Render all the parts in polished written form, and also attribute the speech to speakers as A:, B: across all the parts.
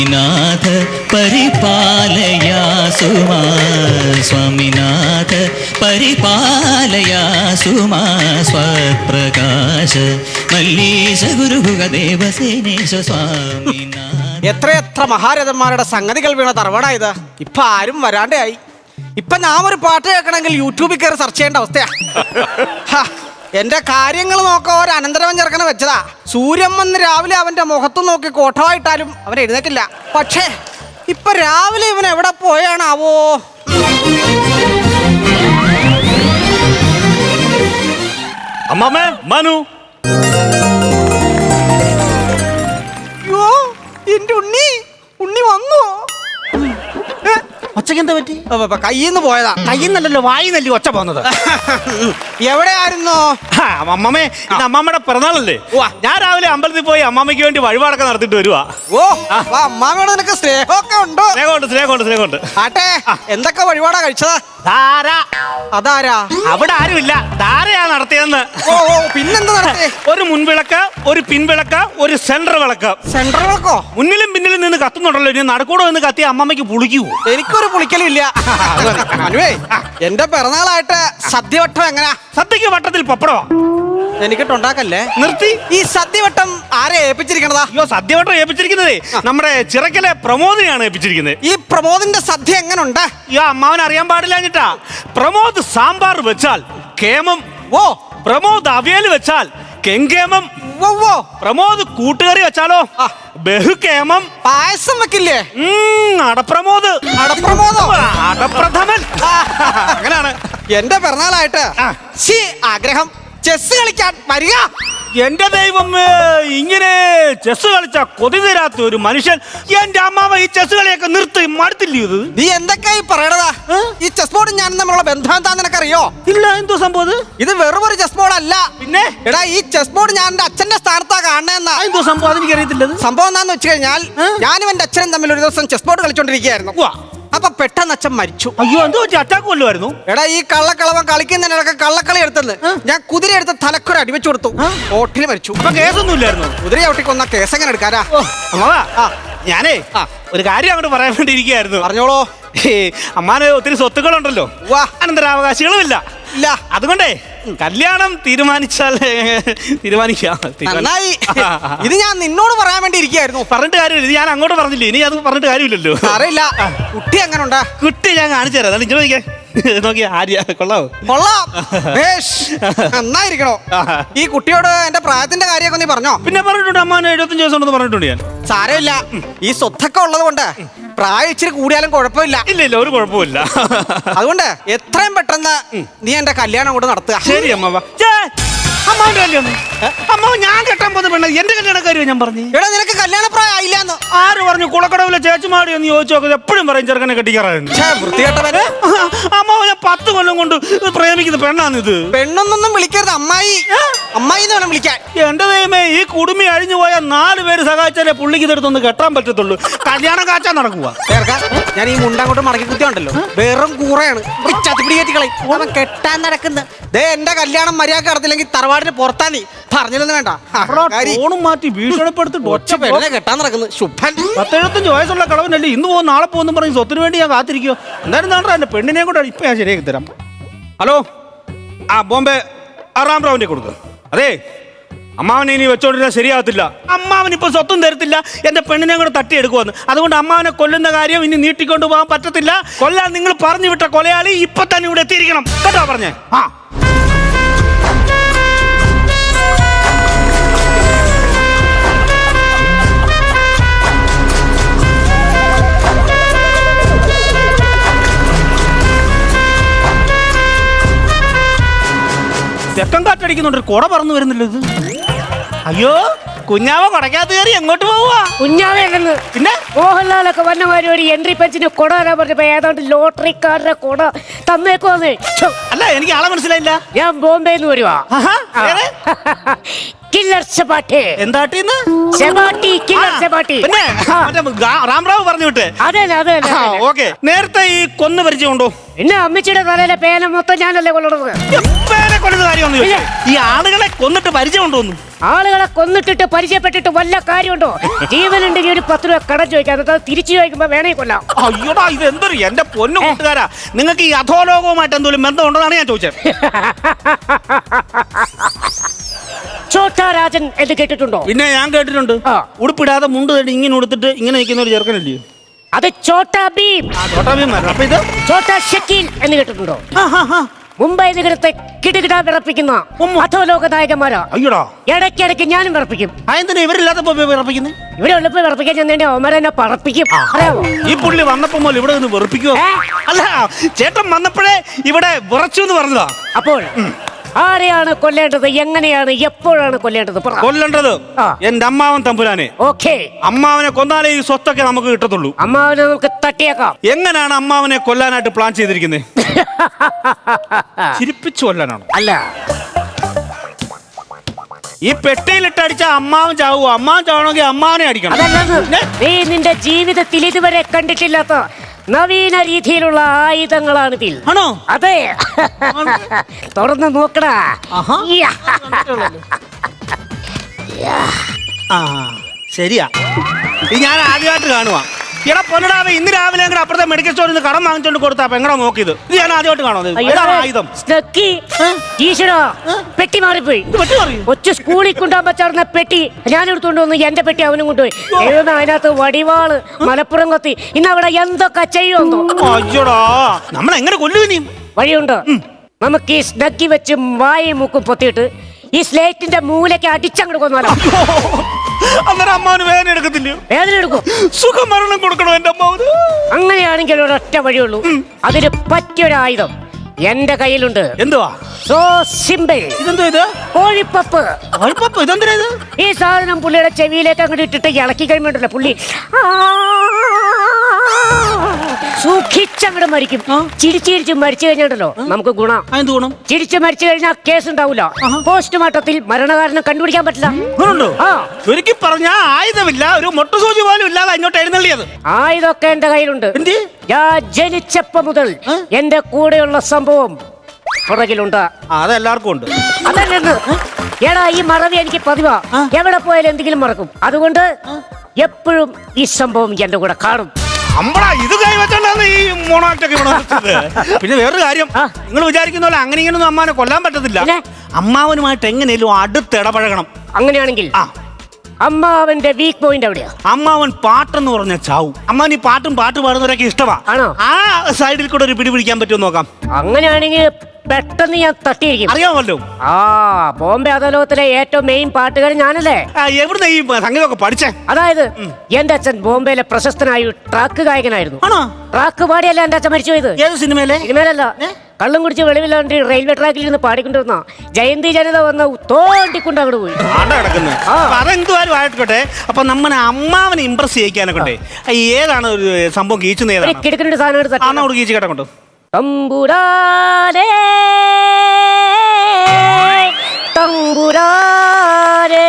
A: നാഥ പരിപാലയാസുമാ സ്വാമിനാഥ പരിപാലയാസുമാ സ്വപ്രകാശ മല്ലീശ ഗുരുഭുഗദേവസേനേശ സ്വാമിനാഥ.
B: എത്രയെത്ര മഹാരഥന്മാരുടെ സംഗതികൾ വീണ തറവാടായത്. ഇപ്പൊ ആരും വരാണ്ടായി. ഇപ്പൊ ഞാൻ ഒരു പാട്ട് കേൾക്കണമെങ്കിൽ യൂട്യൂബിൽ കയറി സെർച്ച് ചെയ്യേണ്ട അവസ്ഥയാ. എന്റെ കാര്യങ്ങൾ നോക്കാൻ ഒരു അനന്തരവൻ ചെറുക്കനെ വെച്ചതാ. സൂര്യൻ വന്ന് രാവിലെ അവന്റെ മുഖത്തും നോക്കി കോട്ടമായിട്ടാലും അവൻ എഴുന്നേറ്റില്ല. പക്ഷേ ഇപ്പൊ രാവിലെ ഇവൻ എവിടെ പോയാണാവോ?
C: അമ്മാമേ, മനു.
B: അയ്യോ, എന്റെ ഉണ്ണി വന്നു.
C: ഒച്ചക്ക് എന്താ പറ്റി?
B: കയ്യിന്ന് പോയതാ.
C: കയ്യിന്നല്ലോ, വായിന്നല്ലേ ഒച്ച പോകുന്നത്.
B: എവിടെയായിരുന്നോ?
C: അമ്മാമേ, ഇന്ന് അമ്മാമ്മയുടെ പിറന്നാളല്ലേ? ഞാൻ രാവിലെ അമ്പലത്തിൽ പോയി അമ്മാമ്മയ്ക്ക് വേണ്ടി വഴിപാടൊക്കെ നടത്തിട്ട് വരുവാ.
B: ഓ, അമ്മാമ്മയോട് നിനക്ക് സ്നേഹമൊക്കെ ഉണ്ടോ?
C: സ്നേഹമുണ്ട്.
B: ആട്ടെ, എന്തൊക്കെ വഴിപാടാ കഴിച്ചതാ?
C: ധാര.
B: അതാരാ?
C: അവിടെ ആരുമില്ല, ധാരയാ നടത്തിയെന്ന്.
B: ഓ, പിന്നെന്താ നടത്തിയേ?
C: ഒരു മുൻവിളക്ക്, ഒരു പിൻവിളക്ക്, ഒരു സെന്റർ വിളക്ക്.
B: സെന്റർ വിളക്കോ?
C: മുന്നിലും പിന്നിലും നിന്ന് കത്തുന്നുണ്ടല്ലോ. ഇനി നടുക്കൂടെ നിന്ന് കത്തി അമ്മമ്മയ്ക്ക് പുളിക്കൂ.
B: എനിക്കൊരു പുളിക്കലും ഇല്ല. അനുവേ, എന്റെ പിറന്നാളായിട്ട് സദ്യവട്ടം എങ്ങനാ?
C: സദ്യക്ക് വട്ടത്തിൽ പപ്പടമാ.
B: എനിക്കിട്ടുണ്ടാക്കല്ലേ.
C: നിർത്തി.
B: ഈ സദ്യവട്ടം ആരെ ഏൽപ്പിച്ചിരിക്കണതാ?
C: അയ്യോ, സദ്യവട്ടം ഏൽപ്പിച്ചിരിക്കുന്നതേ നമ്മുടെ ചിറക്കലെ പ്രമോദിനെയാണ് ഏൽപ്പിച്ചിരിക്കുന്നത്.
B: ഈ പ്രമോദിന്റെ സദ്യ എങ്ങനുണ്ട്?
C: അയ്യോ, അമ്മാവൻ അറിയാൻ പാടില്ലാഞ്ഞിട്ടാ. പ്രമോദ് സാമ്പാർ വെച്ചാൽ കേമം.
B: ഓ,
C: പ്രമോദ് അവിയൽ വെച്ചാൽ കെങ്കേമം.
B: ഓ,
C: പ്രമോദ് കൂട്ടുകറി വെച്ചാലോ ബഹുകേമം.
B: പായസം വെക്കില്ലേ?
C: അടപ്രമോദ്.
B: അടപ്രമോദോ?
C: അടപ്രഥമൻ. അങ്ങനാണ്.
B: എന്റെ പിറന്നാളായിട്ട് ആഗ്രഹം ചെസ് കളിക്കാൻ വരിക.
C: എന്റെ ദൈവം, ഇങ്ങനെ ചെസ് കളിച്ച കൊതി തീരാത്ത ഒരു മനുഷ്യൻ. എന്റെ അമ്മാവ ഈ ചെസ് കളിയൊക്കെ നിർത്തി മടുത്തില്ലേ ഇത്?
B: നീ എന്തൊക്കെയായി പറയണതാ? ഈ ചെസ് ബോർഡ് ഞാൻ തമ്മിലുള്ള ബന്ധം എന്താ നിനക്കറിയോ?
C: ഇല്ല, എന്തോ സംഭവം?
B: ഇത് വെറും ഒരു ചെസ് ബോർഡ് അല്ല.
C: പിന്നെ
B: എടാ, ഈ ചെസ് ബോർഡ് ഞാൻ എന്റെ അച്ഛന്റെ സ്ഥാനത്താ കാണുന്നതെന്നാ.
C: എന്തോ സംഭവം? അതെനിക്കറിയത്തില്ല.
B: സംഭവം എന്താന്ന് വെച്ച് കഴിഞ്ഞാൽ, ഞാനും എന്റെ അച്ഛനും തമ്മിൽ ഒരു ദിവസം ചെസ് ബോർഡ് കളിച്ചോണ്ടിരിക്കുകയായിരുന്നു. അപ്പൊ പെട്ടെന്ന് അച്ഛൻ മരിച്ചു.
C: അയ്യോ, എന്തോ അറ്റാക്ക് കൊല്ലുമായിരുന്നു.
B: എടാ, ഈ കള്ളക്കളവൻ കളിക്കുന്നതിനിടക്ക് കള്ളക്കളി എടുത്തെന്ന് ഞാൻ കുതിര എടുത്ത് തലക്കൊരു അടിവെച്ചു കൊടുത്തു. ഓട്ടിൽ മരിച്ചു.
C: അപ്പൊ കേസൊന്നും ഇല്ലായിരുന്നു.
B: കുതിര ചവിട്ടിക്കൊന്ന കേസ് എങ്ങനെ എടുക്കാരാ?
C: ഞാനേ ഒരു കാര്യം അങ്ങോട്ട് പറയാൻ വേണ്ടി ഇരിക്കുകയായിരുന്നു.
B: പറഞ്ഞോളൂ.
C: അമ്മാന് ഒത്തിരി സ്വത്തുക്കളുണ്ടല്ലോ, അനന്തരാവകാശികളുമില്ല.
B: ഇല്ല.
C: അതുകൊണ്ടേ കല്യാണം തീരുമാനിച്ചാൽ തീരുമാനിക്കാം.
B: നന്നായി. ഇത് ഞാൻ നിന്നോട് പറയാൻ വേണ്ടി ഇരിക്കുകയായിരുന്നു.
C: പറഞ്ഞിട്ട് കാര്യമില്ല. ഇത് ഞാൻ അങ്ങോട്ട് പറഞ്ഞില്ലേ, ഇനി അത് പറഞ്ഞിട്ട് കാര്യമില്ലല്ലോ.
B: അറിയില്ല. കുട്ടി എങ്ങനെ ഉണ്ടാ?
C: കുട്ടി ഞാൻ കാണിച്ചു തരാം. അതാണ് ഇങ്ങനെ നോക്കിയാ. ആര്യ കൊള്ളാവോ?
B: കൊള്ളാം. നന്നായിരിക്കണോ? ഈ കുട്ടിയോട് എന്റെ പ്രായത്തിന്റെ കാര്യമൊക്കെ നീ പറഞ്ഞോ?
C: പിന്നെ പറഞ്ഞിട്ടുണ്ട്. അമ്മാന് 75 ദിവസം ഉണ്ടെന്ന് പറഞ്ഞിട്ടുണ്ട് ഞാൻ.
B: സാരമില്ല, ഈ സ്വത്തൊക്കെ ഉള്ളത് കൊണ്ട് പ്രായം ഇച്ചിരി കൂടിയാലും കുഴപ്പമില്ല.
C: ഇല്ല, ഒരു കുഴപ്പമില്ല.
B: അതുകൊണ്ട് എത്രയും പെട്ടെന്ന് നീ എന്റെ കല്യാണം കൊണ്ട് നടത്തുക.
C: ശരി അമ്മാവ. അമ്മാവന്റെ കല്യാണം? അമ്മാവ് ഞാൻ കെട്ടാൻ പോകുന്ന പെണ്ണ എന്റെ കല്യാണക്കാരിയോ ഞാൻ പറഞ്ഞു?
B: എടാ, നിനക്ക് കല്യാണ പ്രായം ആയില്ലാന്ന്
C: ആര് പറഞ്ഞു? കുളക്കടവിലെ ചേച്ചുമാടി എന്ന് ചോദിച്ചു നോക്കുന്നത് എപ്പോഴും പറയും ചെറുക്കനെ കെട്ടിക്കാറായിരുന്നു.
B: വൃത്തികെട്ടവന്.
C: അമ്മാവ് ഞാൻ 10 കൊല്ലം കൊണ്ട് പ്രേമിക്കുന്ന പെണ്ണാണിത്.
B: പെണ്ണൊന്നും വിളിക്കരുത്, അമ്മായി. അമ്മായി എന്ന് വേണം വിളിക്കാൻ.
C: എന്റെ ദൈവമേ, ഈ കുടുംബി അഴിഞ്ഞു പോയ 4 പേര് സഹായിച്ചാലേ പുള്ളിക്ക് ഇതെടുത്തൊന്ന് കെട്ടാൻ പറ്റത്തുള്ളൂ. കല്യാണം കാച്ചാൻ നടക്കുക.
B: ഞാൻ ഈ മുണ്ടങ്ങോട്ട് മടക്കി കുത്തിയുണ്ടല്ലോ, വെറും കൂറയാണ്. അവൻ കെട്ടാൻ നടക്കുന്ന എന്റെ കല്യാണം മര്യാദ നടത്തില്ലെങ്കിൽ തറവാടിന് പുറത്താ. നീ പറഞ്ഞില്ലെന്ന് വേണ്ട.
C: ഫോണും മാറ്റി ഭീഷണിപ്പെടുത്തിട്ട് ഒച്ച
B: പെണ്ണെ കെട്ടാൻ നടക്കുന്നു. ശുഭൻ
C: 75 വയസ്സുള്ള കളവനല്ലേ ഇന്ന് പോകും നാളെ പോകുന്നു പറഞ്ഞ് സ്വത്തിന് വേണ്ടി ഞാൻ കാത്തിരിക്കുവോ? എന്തായാലും നാണ്ടാ എന്റെ പെണ്ണിനെ കൂടെ ഇപ്പൊ ഞാൻ ശരിയാക്കി തരാം. ഹലോ, ബോംബെ റാം റാവിന്റെ കൊടുക്കുക. അതെ, അമ്മാവനെ ഇനി വെച്ചോണ്ടിരുന്നാൽ ശരിയാകത്തില്ല. അമ്മാവൻ ഇപ്പൊ സ്വത്തും തരത്തില്ല, എന്റെ പെണ്ണിനെ കൂടെ തട്ടിയെടുക്കുവന്ന്. അതുകൊണ്ട് അമ്മാവനെ കൊല്ലുന്ന കാര്യം ഇനി നീട്ടിക്കൊണ്ടു പോകാൻ പറ്റത്തില്ല. കൊല്ലാൻ നിങ്ങൾ പറഞ്ഞു വിട്ട കൊലയാളി ഇപ്പൊ തന്നെ ഇവിടെ എത്തിയിരിക്കണം കേട്ടോ പറഞ്ഞേ. തെക്കം കാറ്റടിക്കുന്നുണ്ട്, കുട പറന്നു വരുന്നില്ല ഇത്. അയ്യോ, കുഞ്ഞാവ കൊടക്കകത്ത് കയറി എങ്ങോട്ട് പോവാ?
D: കുഞ്ഞാവേന്ന്
C: പിന്നെ
D: മോഹൻലാലൊക്കെ വന്നമാര് ഒരു എൻട്രി പെൻസിന് കൊട തരാൻ പറഞ്ഞപ്പോ ഏതാണ്ട് ലോട്ടറിക്കാരുടെ കൊട തന്നേക്കോന്ന്.
C: അല്ല, എനിക്ക് ആളെ മനസ്സിലായില്ല.
D: ഞാൻ ബോംബെന്ന് വരുവാ. കില്ലർ സെബാട്ടി.
C: എന്താട്ടീന്ന്?
D: സെബാട്ടി, കില്ലർ സെബാട്ടി.
C: പിന്നെ രാംറാവ് പറഞ്ഞു വിട്ടേ.
D: അതെ അതെ.
C: ഓക്കെ. നേരത്തെ ഈ കൊന്നു പരിചയമുണ്ടോ?
D: പിന്നെ അമ്മച്ചിയുടെ തലയിലെ പേന മൊത്തം ഞാനല്ലേ കൊല്ലണത്.
C: പേനെ കൊല്ലുന്ന കാര്യമൊന്നും ഇല്ല. ഈ ആളുകളെ കൊന്നിട്ട് പരിചയമുണ്ടോന്നു?
D: ആളുകളെ കൊന്നിട്ടിട്ട് പരിചയപ്പെട്ടിട്ട് വല്ല കാര്യമുണ്ടോ? ജീവനുണ്ടെങ്കിൽ ഒരു 10 രൂപ കടം ചോദിക്കാം, അത് തിരിച്ചു ചോദിക്കുമ്പോ വേണേ കൊല്ലാം.
C: അയ്യോടാ, ഇത് എന്തൊരു എന്റെ പൊന്നു കൂട്ടുകാരാ, നിങ്ങൾക്ക് ഈ അധോലോകവുമായിട്ട് എന്തെങ്കിലും ബന്ധമുണ്ടെന്നാണ് ഞാൻ ചോദിച്ചത്.
D: ചോട്ടാ രാജൻ എന്ന് കേട്ടിട്ടുണ്ടോ?
C: പിന്നെ ഞാൻ കേട്ടിട്ടുണ്ട്. ഉടുപ്പിടാതെ മുണ്ട് തേടി ഇങ്ങനെ ഉടുത്തിട്ട് ഇങ്ങനെ നിൽക്കുന്ന ഒരു ചെറുക്കനല്ലേ?
D: അത് ചോട്ടാ ഭീം.
C: ചോട്ടാ ഭീം. അപ്പൊ ഇത്
D: ചോട്ടാ ഷക്കീൽ എന്ന് കേട്ടിട്ടുണ്ടോ? മുംബൈ നഗരത്തെ കിടുകിട വിറപ്പിക്കുന്ന അധോലോക നായകന്മാരാ.
C: അയ്യോടാ,
D: ഇടയ്ക്കിടയ്ക്ക് ഞാനും വിറപ്പിക്കും.
C: അതെന്തിനാ ഇവരില്ലാത്തപ്പോ വിറപ്പിക്കുന്നത്?
D: ഇവിടെ ഉള്ളപ്പോ വിറപ്പിക്കാൻ ചെന്നേണ്ടി അവന്മാരെന്നെ പറപ്പിക്കും. അറിയാമോ?
C: ഈ പുള്ളി വന്നപ്പോ മുതൽ ഇവിടെ നിന്ന് വെറുപ്പിക്കുവോ? അല്ല, ചേട്ടൻ വന്നപ്പോഴേ ഇവിടെ വിറച്ചു എന്ന് പറഞ്ഞതാ.
D: അപ്പോൾ ആരെയാണ് കൊല്ലേണ്ടത്, എങ്ങനെയാണ്, എപ്പോഴാണ് കൊല്ലേണ്ടത്?
C: കൊല്ലേണ്ടത് എന്റെ അമ്മാവൻ തമ്പുരാനെ.
D: ഓക്കേ.
C: അമ്മാവനെ കൊന്നാലേ ഈ സ്വത്തൊക്കെ നമുക്ക് കിട്ടത്തുള്ളൂ.
D: അമ്മാവനെ നമുക്ക് തട്ടിയേക്കാം.
C: എങ്ങനെയാണ് അമ്മാവനെ കൊല്ലാനായിട്ട് പ്ലാൻ ചെയ്തിരിക്കുന്നത്? ചിരിപ്പിച്ചു കൊല്ലാനാണ്?
D: അല്ല,
C: ഈ പെട്ടിയിലിട്ടടിച്ച അമ്മാവൻ ചാവുക. അമ്മാവൻ ചാവണമെങ്കിൽ അമ്മാവനെ അടിക്കണം.
D: അതല്ല, നീ നിന്റെ ജീവിതത്തിൽ ഇതുവരെ കണ്ടിട്ടില്ലാത്ത നവീന രീതിയിലുള്ള ആയുധങ്ങളാണിതിൽ.
C: ആണോ?
D: അതെ. തുറന്ന് നോക്കടാ.
C: ശരിയാ, ഇത് ഞാൻ ആദ്യമായിട്ട് കാണുവാ. എടാ പൊന്നടാവേ, ഇന്ന് രാവിലെ അപ്പുറത്തെ മെഡിക്കൽ സ്റ്റോറിൽ നിന്ന് കടം വാങ്ങിച്ചോണ്ട് കൊടുത്താ എങ്ങനെ നോക്കിയത്? ഇത് ഞാൻ ആദ്യമായിട്ട് കാണുന്നത്. ആയുധം
D: പെട്ടി മാറിപ്പോയി. ഒറ്റ സ്കൂളിൽ കൊണ്ടുപോകാൻ പറ്റാറുന്ന പെട്ടി ഞാൻ എടുത്തോണ്ട് വന്നു. എന്റെ പെട്ടി അവനും കൊണ്ടുപോയി. അതിനകത്ത് വടിവാള്, മലപ്പുറം കത്തി. ഇന്ന് അവിടെ എന്തൊക്കെ ചെയ്യുമെന്നോ.
C: അയ്യോടാ, നമ്മൾ എങ്ങനെ കൊല്ലുവിനിയും?
D: വഴിയുണ്ട്. നമുക്ക് ഈ സ്നക്കി വെച്ച് വായും മൂക്കും പൊത്തിയിട്ട് ഈ സ്ലേറ്റിന്റെ മൂലയ്ക്ക് അടിച്ചങ്ങോട്ട് കൊന്നാലോ?
C: അന്നേരം അമ്മാവന് വേദന എടുക്കത്തില്ലയോ?
D: വേദന എടുക്കും.
C: സുഖമരണം കൊടുക്കണോ എന്റെ അമ്മാവന്?
D: അങ്ങനെയാണെങ്കിൽ ഒരൊറ്റ വഴിയുള്ളൂ. അതിന് പറ്റിയൊരു ആയുധം എന്റെ കയ്യിലുണ്ട്.
C: എന്തുവാ?
D: So simple.
C: ഇതെന്തോ ഇത്?
D: കോഴിപ്പപ്പ്.
C: കോഴിപ്പപ്പ്? ഇതെന്തിനാ ഇത്?
D: ഈ സാധനം പുള്ളിയുടെ ചെവിയിലേക്ക് അങ്ങോട്ട് ഇട്ടിട്ട് ഇളക്കി കഴിയുമ്പോണ്ടല്ലോ പുള്ളി സൂക്ഷിച്ചങ്ങോട്ട് മരിക്കും. ചിരിച്ചിരിച്ച് മരിച്ചു കഴിഞ്ഞിട്ടല്ലോ നമുക്ക് ഗുണം.
C: എന്ത് ഗുണം?
D: ചിരിച്ച് മരിച്ചു കഴിഞ്ഞാൽ കേസ് ഉണ്ടാവില്ല. പോസ്റ്റ്മോർട്ടത്തിൽ മരണകാരണം കണ്ടുപിടിക്കാൻ പറ്റില്ല.
C: ഒരിക്കൽ പറഞ്ഞ ആയുധമില്ല, ഒരു മൊട്ടുസൂചി പോലും ഇല്ലാതെ അങ്ങോട്ട് എഴുന്നള്ളിയത്.
D: ആയുധമൊക്കെ എന്റെ കയ്യിലുണ്ട്. ഞാൻ ജനിച്ചപ്പോ മുതൽ എന്റെ കൂടെയുള്ള സംഭവം പുറകിലുണ്ട്.
C: അതെല്ലാവർക്കും ഉണ്ട്.
D: അതല്ലെന്ന് എടാ, ഈ മറവി എനിക്ക് പതിവാ. എവിടെ പോയാലും എന്തെങ്കിലും മറക്കും. അതുകൊണ്ട് എപ്പോഴും ഈ സംഭവം എന്റെ കൂടെ കാണും.
C: ഇത് കൈവച്ചാണ് ഈ മോണാക്ടൊക്കെ. പിന്നെ വേറൊരു കാര്യം, നിങ്ങൾ വിചാരിക്കുന്ന പോലെ അങ്ങനെ ഇങ്ങനൊന്നും അമ്മാവനെ കൊല്ലാൻ പറ്റത്തില്ല. അമ്മാവനുമായിട്ട് എങ്ങനെയും അടുത്തിടപഴകണം.
D: അങ്ങനെയാണെങ്കിൽ അമ്മാവന്റെ വീക്ക് പോയിന്റ് എവിടെയാ?
C: അമ്മാവൻ പാട്ടെന്ന് പറഞ്ഞ ചാവും. അമ്മാവൻ ഈ പാട്ട് പാടുന്നവരൊക്കെ ഇഷ്ടമാ. ആ സൈഡിൽ കൂടെ ഒരു പിടി പിടിക്കാൻ പറ്റുമോ നോക്കാം.
D: അങ്ങനെയാണെങ്കിൽ പെട്ടെന്ന് ഞാൻ തട്ടിയിരിക്കും.
C: അറിയാമല്ലോ.
D: ബോംബെ അധോലോകത്തിലെ ഏറ്റവും മെയിൻ പാട്ടുകാരൻ ഞാനല്ലേ.
C: എവിടുന്ന ഈ സംഗീതമൊക്കെ പഠിച്ചേ?
D: അതായത് എന്റെ അച്ഛൻ ബോംബെയിലെ പ്രശസ്തനായ ട്രാക്ക് ഗായകനായിരുന്നു. ട്രാക്ക് പാടിയല്ല എന്റെ അച്ഛൻ മരിച്ചു പോയത്.
C: ഏത് സിനിമയിലെ?
D: സിനിമയിലല്ല, കള്ളും കുടിച്ച് വെളിവില്ലാണ്ട് റെയിൽവേ ട്രാക്കിൽ നിന്ന് പാടിക്കൊണ്ടിരുന്ന ജയന്തി ജനത വന്ന് തോണ്ടിക്കൊണ്ട് അങ്ങോട്ട് പോയി.
C: അതെന്തുവാരും ആയിക്കോട്ടെ. അപ്പൊ നമ്മളെ അമ്മാവനെ ഇംപ്രസ് ചെയ്യിക്കാനൊക്കെ ഏതാണ് ഒരു സംഭവം കീച്ചുന്ന? ഏതാണ്
D: കിടക്കുന്ന സാധനം
C: കീച്ചു കേട്ടോ കൊണ്ട്?
D: തമ്പുരാനേ തമ്പുരാനേ.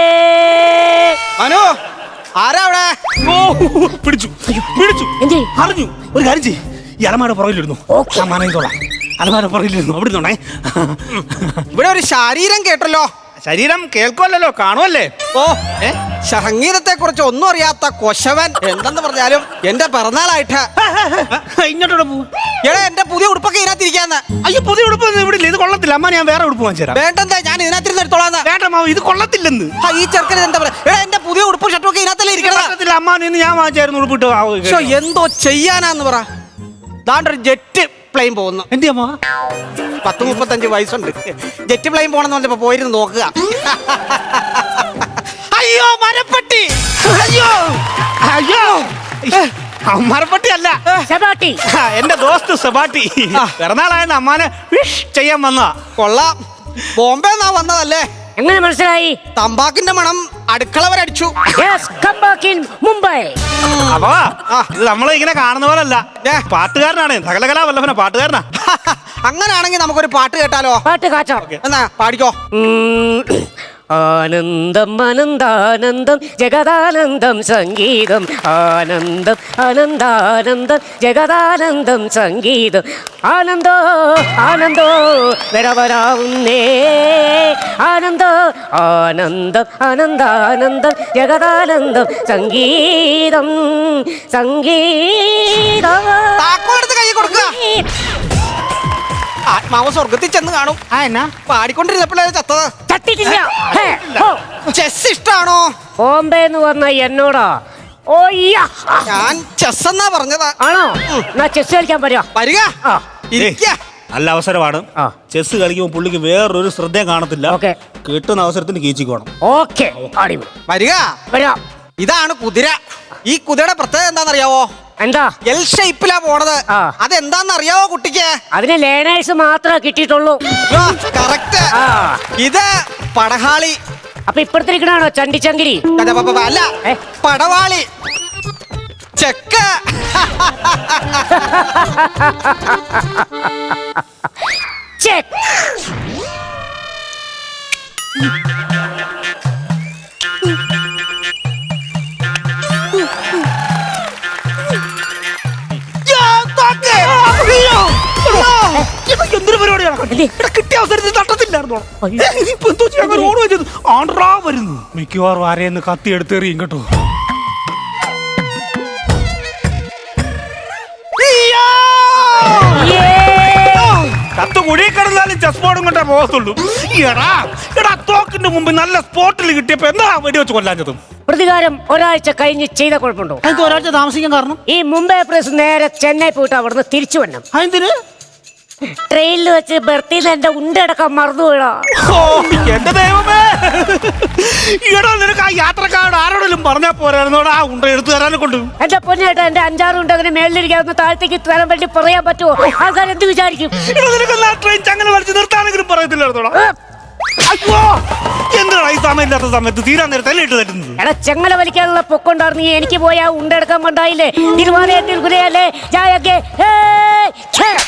B: മനു, ആരാ അവിടെ?
C: പിടിച്ചു അറിഞ്ഞു. ഒരു കാര്യം ചെയ്യ്, ഈ അലമാര പുറകിലിരുന്നു. അലമാര പുറകിലിരുന്നു. അവിടെ ഇരുന്നോണേ.
B: ഇവിടെ ഒരു ശരീരം കേട്ടല്ലോ.
C: ശരീരം കേൾക്കുമല്ലോ, കാണുമല്ലേ?
B: സംഗീതത്തെ കുറിച്ച് ഒന്നും അറിയാത്ത കൊശവൻ എന്തെന്ന് പറഞ്ഞാലും എന്റെ പിറന്നാളായിട്ട്
C: ഇങ്ങോട്ടോടെ പോകും.
B: എടാ, എന്റെ പുതിയ ഉടുപ്പൊക്കെ ഇതിനകത്തിരിക്കാന്ന്.
C: അയ്യോ, പുതിയ ഉടുപ്പ് ഇവിടെ ഇല്ല. ഇത് കൊള്ളത്തില്ല. അമ്മ ഞാൻ വേറെ ഉടുപ്പ് വാങ്ങിച്ചു തരാം.
B: വേണ്ടെന്താ, ഞാൻ ഇതിനകത്തിരുന്ന് എടുത്തോളാന്ന്.
C: വേണ്ട മാവ്, ഇത് കൊള്ളത്തില്ലെന്ന്.
B: ഈ ചെറുക്കന് എന്താ പറയാ? എടാ, എന്റെ പുതിയ ഉടുപ്പ് ഷർട്ടൊക്കെ ഇതിനകത്തല്ലേ ഇരിക്കണത്.
C: അമ്മ നിന്ന് ഞാൻ വാങ്ങിച്ചായിരുന്നു ഉടുപ്പിട്ട്.
B: എന്തോ ചെയ്യാനാന്ന് പറ. ദാണ്ടൊരു ജെറ്റ് പ്ലെയിൻ പോകുന്നു.
C: എന്റെ അമ്മ
B: 10-35 വയസ്സുണ്ട്. ജെറ്റ് പ്ലെയിൻ പോണെന്ന് പറഞ്ഞപ്പോ പോയിരുന്നു നോക്കുക. അയ്യോ, മരപ്പട്ടി.
C: അയ്യോ മരപ്പട്ടി അല്ല,
D: സെബാട്ടി.
C: എന്റെ ദോസ്ത് സെബാട്ടി. പിറന്നാളായ അമ്മാനെ വിഷ് ചെയ്യാൻ വന്നതാ. കൊള്ളാം.
B: ബോംബെ എന്നാ വന്നതല്ലേ?
D: എങ്ങനെ മനസ്സിലായി?
B: തമ്പാക്കിന്റെ മണം അടുക്കള വരെ അടിച്ചു.
D: മുംബൈ.
C: അപ്പൊ ഇത് നമ്മളെ ഇങ്ങനെ കാണുന്ന പോലല്ല, പാട്ടുകാരനാണ്. സകലകലാ വല്ലഭന പാട്ടുകാരനാ.
B: അങ്ങനാണെങ്കിൽ നമുക്കൊരു പാട്ട് കേട്ടാലോ?
D: പാട്ട് കാച്ചോ?
B: എന്നാ പാടിക്കോ.
D: ആനന്ദം അനന്താനന്ദം ജഗദാനന്ദം സംഗീതം ആനന്ദം അനന്താനന്ദം ജഗദാനന്ദം സംഗീതം ആനന്ദോ ആനന്ദോ വരവരാവുന്നേ ആനന്ദോ ആനന്ദം അനന്താനന്ദം ജഗദാനന്ദം സംഗീതം സംഗീതം
B: താക്കോലെടുത്ത് കൈ കൊടുക്കുക. ആത്മാവ് സ്വർഗത്തിൽ ചെന്ന് കാണും.
C: എന്നാ
B: പാടിക്കൊണ്ടിരുന്നപ്പോഴേ ചത്തത്.
D: ചട്ടിട്ടില്ല. ഹേ, ഹോ.
B: ചെസ് ഇഷ്ടാണോ?
D: ബോംബെ എന്ന് പറഞ്ഞ എന്നോടാ? ഓയ്യ.
B: ഞാൻ ചെസ് എന്നാ പറഞ്ഞതാ.
D: ആണോ? എന്നാ ചെസ് കളിക്കാൻ പറ്റുമോ?
B: വരിക,
D: ആ.
B: ഇരിക്ക.
C: നല്ല അവസരമാണ്.
D: ആ.
C: ചെസ് കളിക്കുമ്പോൾ പുള്ളിക്ക് വേറൊരു ശ്രദ്ധയും കാണത്തില്ല.
D: ഓക്കേ.
C: കിട്ടുന്ന അവസരത്തിന് കീച്ചിക്കോണം.
D: ഓക്കെ അടിപൊളി.
B: വരിക.
D: വരാം.
B: ഇതാണ് കുതിര. ഈ കുതിരയുടെ പ്രത്യേകത എന്താണെന്നറിയാവോ?
D: എന്താ?
B: എൽ ഷേപ്പിലാ പോണത്.
D: ആ.
B: അതെന്താന്നറിയാവോ കുട്ടിക്ക്?
D: അതിന് ലേണേഴ്സ് മാത്രമേ കിട്ടിയിട്ടുള്ളൂ.
B: കറക്റ്റ്.
D: ആ.
B: ഇത് പടഹാളി.
D: അപ്പൊ ഇപ്പഴത്തിരിക്കണാണോ ചണ്ടിച്ചങ്കിരി?
B: അല്ല,
D: ഏ?
B: പടവാളി. ചെക്ക്.
D: ചെക്ക്.
C: എന്തൊരു പരിപാടിയാണ്?
D: എന്ത്?
C: ഇവിടെ കിട്ടിയ അവസരത്തിൽ തട്ടത്തില്ലായിരുന്നോ?
D: അയ്യോ.
C: ഇപ്പൊ എന്തോ ചെയ്യാൻ ഓട് വെച്ചത് ആണ്ട്രാ വരുന്നു. മിക്കവാറും ആരെയെന്ന് കത്തി എടുത്തെറിയും കേട്ടോ.
D: യേ.
C: കത്ത് കുഴി കിടന്നാലും ചെസ് ബോർഡും കൊണ്ടേ പോകത്തുള്ളൂ. എടാ തോക്കിന്റെ മുമ്പ് നല്ല സ്പോട്ടിൽ കിട്ടിയപ്പോ എന്താ വെടിവെച്ച് കൊല്ലാഞ്ഞതും?
D: പ്രതികാരം ഒരാഴ്ച കഴിഞ്ഞ് ചെയ്ത കുഴപ്പമുണ്ടോ?
C: അതിന് ഒരാഴ്ച താമസിക്കാൻ കാരണം
D: ഈ മുംബൈ എക്സ്പ്രസ് നേരെ ചെന്നൈ പോയിട്ട് അവിടുന്ന് തിരിച്ചു വരണം.
C: അതെന്തിന്?
D: ട്രെയിനിൽ വെച്ച് ബർത്തിൽ എന്റെ ഉണ്ടടക്കം മറന്നു വീഴാ.
C: ഓ എന്റെ ദൈവമേ, ഈടാ നിനക്ക് ആ യാത്രക്കാരോട് ആരോടെങ്കിലും പറഞ്ഞാ പോരായിരുന്നോടാ ആ ഉണ്ട എടുത്തു തരാനെ കൊണ്ട്.
D: എന്റെ പൊന്നേട്ടാ, എന്റെ 5-6 ഉണ്ട് അങ്ങനെ മേളിലിരിക്കാവുന്ന താഴത്തേക്ക് തരാൻ വേണ്ടി പറയാൻ പറ്റുമോ? ആൾക്കാർ എന്ത് വിചാരിക്കും?
C: എടാ നിനക്ക് ആ ട്രെയിൻ ചങ്ങനെ വലിച്ചു നിർത്താനെങ്കിലും പറയത്തില്ലായിരുന്നോടാ? അയ്യോ എന്താണ് ഈ സമയമില്ലാത്ത സമയത്ത് തീരാൻ നേരത്തെ ഇട്ട് തരുന്നത്?
D: എടാ ചെങ്ങല വലിക്കാനുള്ള പൊക്കൊണ്ടായിരുന്നു. എനിക്ക് പോയി ആ ഉണ്ടെടുക്കാൻ കൊണ്ടായില്ലേ? തിരുവാലയത്തിൽ ഗുരയല്ലേ ജായകെ.